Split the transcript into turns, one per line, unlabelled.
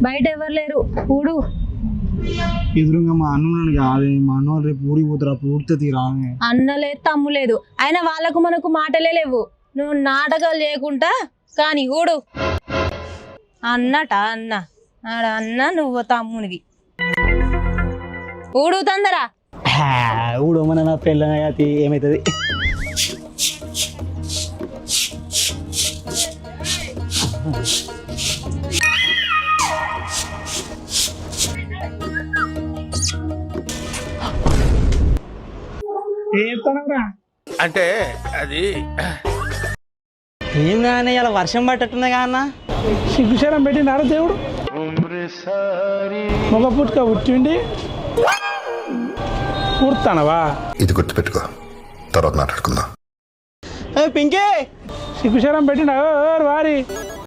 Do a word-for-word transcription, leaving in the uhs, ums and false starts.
బయట ఎవరు లేరు ఊడు.
ఎదురుగా మా అన్నున్నాడు కాదు, మా అన్న రేపు ఊరికి పోతారా, పూర్తి రామే.
అన్న లేదు తమ్ము లేదు, అయినా వాళ్ళకు మనకు మాటలే లేవు. నువ్వు నాటకాలు చేయకుండా కానీ ఊడు. అన్నట అన్న ఆడ అన్న నువ్వు తమ్మునివి. ఊడు తొందరా.
ఊడమన నా పెళ్ళ ఏమవుతుంది.
అంటే అది
ఏం కానీ ఇలా వర్షం పట్టట్టున్నా అన్న.
సిగ్గుశరం పెట్టినారా దేవుడు? మగ పుట్టుక పుట్టిండి పూర్తానవా?
ఇది గుర్తుపెట్టుకో, తర్వాత మాట్లాడుకుందాం.
పింకే
సిగ్గుశరం పెట్టినా వారి